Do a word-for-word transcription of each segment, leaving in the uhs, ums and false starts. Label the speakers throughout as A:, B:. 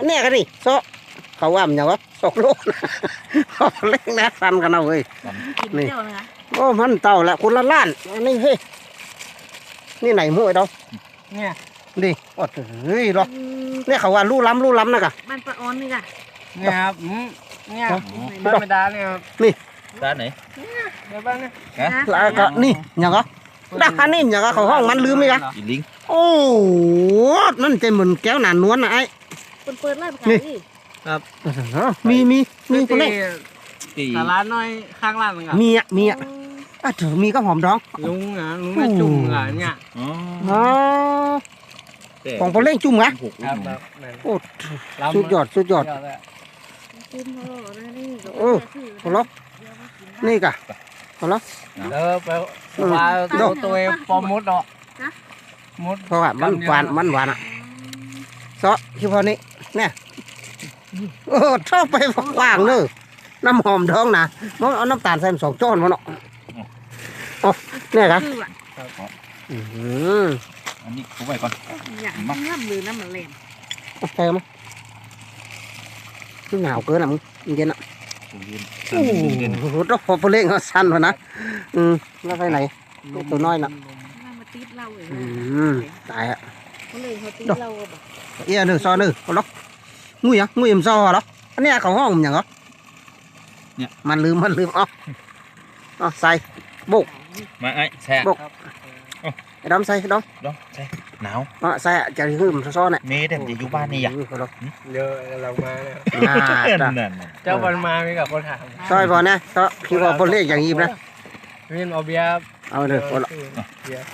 A: เนี่ยกันดิโซเขาว่ามันอย่างวะสองโลเขาเล่นนะทันกันเอาเว้ย
B: กินเที่ยวนะคะ
A: โอ้มันเต่าแหละคุณละล้านอันนี้เฮ้ยนี่ไหนมวยเรา
C: เนี่ย
A: ดิโอ้เฮ้ยเราเนี่ยเขาว่าลู่ล้ำลู่ล้ำนะกะ
B: บ้านปลาออนนี่ค่ะ
C: เนี่ยครับอืมเนี่ยบ้านไม่ดาเนี่ยครับ
D: ด้านไหน
C: เดี๋ยวบ้านเนี่ย
A: แล้วก็นี่อย่างก็ด้านนี้อย่างก็เขาห้องมันลืมไหมกะ
D: อีลิง
A: โอ้นั่นจะเหมือนแก้วหนานวลนะไอ้
B: เปิดเปิดไล่ปลานี่
A: มีมีมีคนนี้
D: ตี
C: ตลาดน้อยข้างล่างนึงอ่ะ
A: มีอ่ะมีอ่ะอ่ะถือมีก็หอมดอง
C: ลุงอ่ะลุงแม่จุ่มอ่ะเนี่ย
D: อ๋อ
A: อ๋อของพอเล่งจุ่มกะ
D: หก
C: ครับครับ
A: โอ้สุดยอดสุดยอด
B: กินเขาหรอนะนี่
A: โอ้พอล็อกนี่กะพอล็อก
C: เออไปว่าตัวตัวปอมมุดเนาะมุด
A: เพราะว่ามันหวานมันหวานอ่ะซอคือพอนี้เนี่ยโอ้ชอบไปว่างเลยน้ำหอมดองนะมันเอาน้ำตาลใส่สองจ้อนมันเนาะโอ้เนี่ยครับ
B: คืออ่ะ
A: อืม
D: อันนี้ผมไปก่อน
B: อย่างน้ำหรือน้ำมันแหลม
A: โอเคมั้ยคือหนาวเกินอ่ะมึงเย็นอ่ะ
D: ผมยืน
A: โอ้โหต้องพอพอเล่งเขาสั้นวะนะอืมแล้วไปไหนตัวน้อยน่ะ
B: น้ำมาตีเราเลย
A: อืมตายอ่ะ
B: เขาเลยเขาตีเราแบบ
A: เอี้ยหนึ่งซอหนึ่งเอาล็อกงุยอ่ะงุยมซอเหรออันนี้เขาห้องอย่างเหรอเนี่ยมันลืมมันลืมเอ๋ออ๋อใส่บุก
D: มาไอ้แช่
A: ไอ้ดอมใส่ดอม
D: ดองแช่หนาว
A: อ๋อใส่จะหืมซอเนี่ย
D: เมย์แต่จะอยู่บ้านนี่อ่ะ
C: เยอะเรามาเนี่ย
A: อ่าจ้ะ
D: นั่น
C: เจ้าวันมามีกับคนถาม
A: ซอยพอนะซอคือว่าพอเล่อย่างนี้นะ
C: วินเอาเบียร์
A: เอาเลยพอละ
C: เบียร์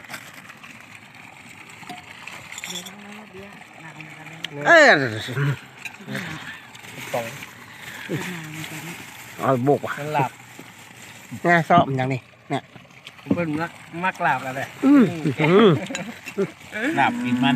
A: เอ้ย
C: สอง
A: เอาบุกว่ะ
C: มันหลับ
A: เนี่ยซอมอย่างนี้
C: เพิ่นมักมักหลับอะไร
A: อืมอืม
D: หลับกินมัน